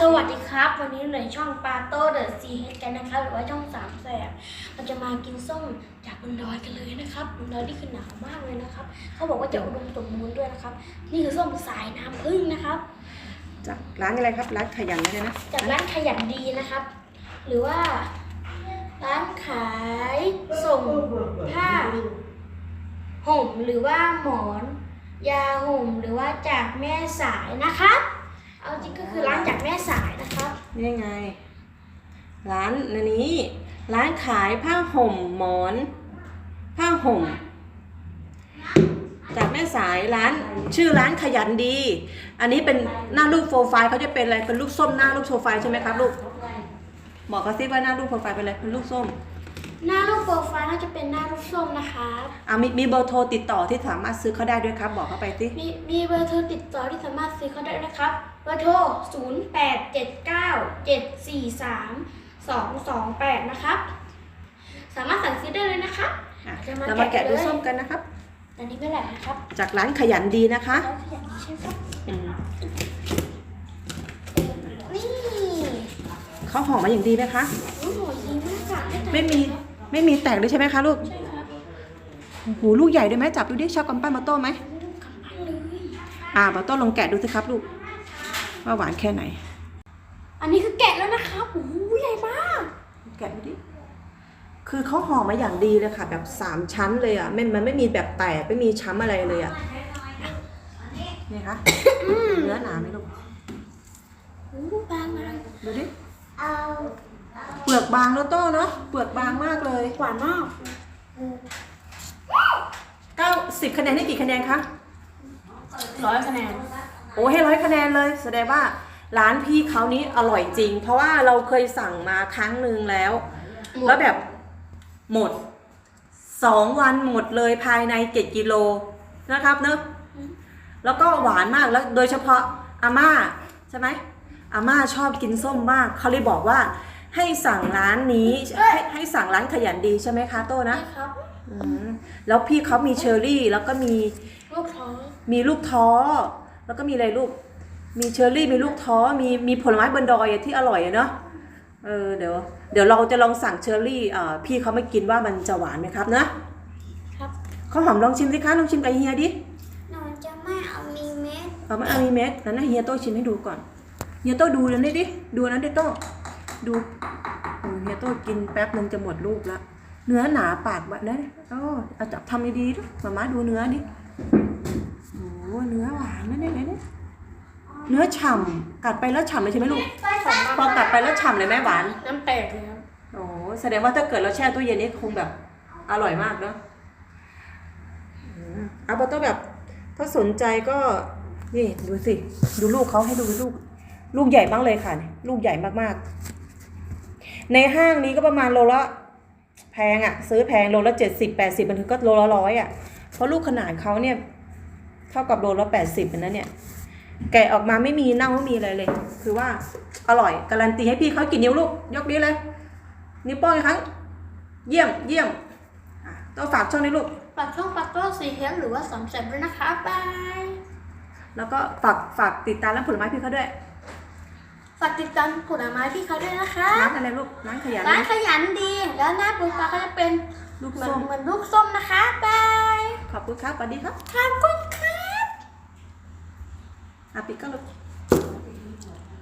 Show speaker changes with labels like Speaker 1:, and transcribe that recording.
Speaker 1: วัสดีครับวันนี้ในช่องปาโต้เดอะซีเฮดกันนะครับหรือว่าช่องสามแสบเราจะมากินส้มจากบนดอยกันเลยนะครับบนดอยที่คือหนาวมากเลยนะครับเขาบอกว่าจะอุดมสมบูรณ์ด้วยนะครับนี่คือส้มสายน้ำผึ้งนะครับ
Speaker 2: จากร้านอะไรครับร้านขยันเลยนะ
Speaker 1: จากร้านขยันดีนะครับ หรือว่าร้านขายส่งผ้าห่มหรือว่าหมอนยาห่มหรือว่าจากแม่สายนะครับเอาจริงก็คือร้านจากแม่สายนะครับ
Speaker 2: นี่ไงร้านนี้ร้านขายผ้าห่มหมอนผ้าห่มจากแม่สายร้านชื่อร้านขยันดีอันนี้เป็นหน้ารูปโปรไฟล์เขาจะเป็นอะไรเป็นลูกส้มหน้ารูปโปรไฟล์ใช่ไหมครับลูกบอกกระซิบว่าหน้ารูปโปรไฟล์เป็นอะไรเป็นลูกส้ม
Speaker 1: หน้ารูปโปรไฟล์น่าจะเป็นหน้ารูปส้มนะคะ
Speaker 2: มีเบอร์โทรติดต่อที่สามารถซื้อเขาได้ด้วยครับบอกเขาไปสิ
Speaker 1: มีเบอร์โทรติดต่อที่สามารถซื้อเขาได้นะครับเบอร์โทร0879743228นะครับสามารถสั่งซื้อได้เลยนะครับ
Speaker 2: เรามาแกะดูส้มกันนะครับ
Speaker 1: อันนี้ไม่แหลกนะครับ
Speaker 2: จากร้านขยันดีนะคะ
Speaker 1: ร้านขยันดีใช่ครับนี่
Speaker 2: เขาห่อมาอย่างดีไหมคะ
Speaker 1: โอ้โหดีมากค่ะ
Speaker 2: ไม่มีแตกเลยใช่ไหมคะลูก
Speaker 1: ใช่ครับ
Speaker 2: โอ้โหลูกใหญ่ด้วยไหมจับดูดิชอบกำปั้นมาโต้ไหม
Speaker 1: กำปั้นเลย
Speaker 2: มาโต้ลองแกะดูสิครับลูกว่าหวานแค่ไหน
Speaker 1: อันนี้คือแกะแล้วนะครับโอ้โหใหญ่มาก
Speaker 2: แกะดูดิคือเขาห่อมาอย่างดีเลยค่ะแบบ3ชั้นเลยอ่ะมันไม่มีแบบแตกไม่มีช้ำอะไรเลยอ่ะนี่คะเนื้อหนาไหมลูก
Speaker 1: บางมาก
Speaker 2: ดูดิเปลือกบางแล้วโต้เนาะเปลือกบางมากเลย
Speaker 1: หวานมาก
Speaker 2: 90คะแนนให้กี่คะแนนคะ
Speaker 1: 100 คะแนน
Speaker 2: โอ้ให้100 คะแนนเลยแสดงว่าร้านพี่เขานี้อร่อยจริงเพราะว่าเราเคยสั่งมาครั้งหนึ่งแล้วแบบหมด2 วันหมดเลยภายใน7 กิโลนะครับเนอะแล้วก็หวานมากแล้วโดยเฉพาะอาม่าใช่ไหมอาม่าชอบกินส้มมากเขาเลยบอกว่าให้สั่งร้านนี้ให้สั่งร้านขยันดีใช่ไหมคะโต้นะครับแล้วพี่เขามีเชอร์รี่แล้วก็มี
Speaker 1: ลูกท้อ
Speaker 2: แล้วก็มีอะไรลูกมีเชอร์รี่มีลูกท้อมีผลไม้บนดอยที่อร่อยเนาะเดี๋ยวเราจะลองสั่งเชอร์รี่พี่เขาไม่กินว่ามันจะหวานไหมครับนะครับข้าวหอมลองชิมสิคะลองชิมกับเฮียดิ
Speaker 1: หนูจะไม่เอามีเม็ด
Speaker 2: ไม่เอามีเม็ดนั้นนะเฮียโต้ชิมให้ดูก่อนเฮียโต้ดูนั้นดิดูนั้นดิโต้ดูเฮียโต้กินแป๊บนึงจะหมดลูกละเนื้อหนาปากแบบนั้นเอาจับทำดีๆด้วยมาม่าดูเนื้อดิโอ้เนื้อหวานนั่นนี่เนื้อฉ่ำกัดไปแล้วฉ่ำเลยใช่ไหมลูกพอกัดไปแล้วฉ่ำเลยแม่หวาน
Speaker 1: น้ำแตกเลยครับ
Speaker 2: โอ้แสดงว่าถ้าเกิดเราแช่ตู้เย็นนี่คงแบบอร่อยมากเนาะเอาโต้แบบถ้าสนใจก็นี่ดูสิดูลูกเขาให้ดูลูกใหญ่มากเลยค่ะลูกใหญ่มากๆในห้างนี้ก็ประมาณโลละแพงอ่ะซื้อแพงโลละ70-80มันถึงก็โลละ100อ่ะเพราะลูกขนาดเขาเนี่ยเท่ากับโลละ80เป็นนั้นเนี่ยแกะออกมาไม่มีเน่าไม่มีอะไรเลยคือว่าอร่อยการันตีให้พี่เขากี่นิ้วลูกยกนิ้วเลยนิ้วโป้งอีกครั้งเยี่ยมต้องฝากช่องนี้ลูก
Speaker 1: ฝากช่องปาโต้ซีเฮดหรือว่าสามแสบด้วยนะคะบาย
Speaker 2: แล้วก็ฝากติดตามร้านผลไม้พี่เขาด้วย
Speaker 1: ฝากติดตามผลไม้พี่เขาด้วยนะคะ
Speaker 2: ร้านอะไรลูกร้านขยัน
Speaker 1: ดีแล้วหน้าโปรไฟล์เขาจะเป็น
Speaker 2: ลูกส้ม
Speaker 1: เหมือนลูกส้มนะคะบาย
Speaker 2: ขอบคุณครับสวัสดีครับ
Speaker 1: ขอบคุณครับ
Speaker 2: ปิดก็ลูก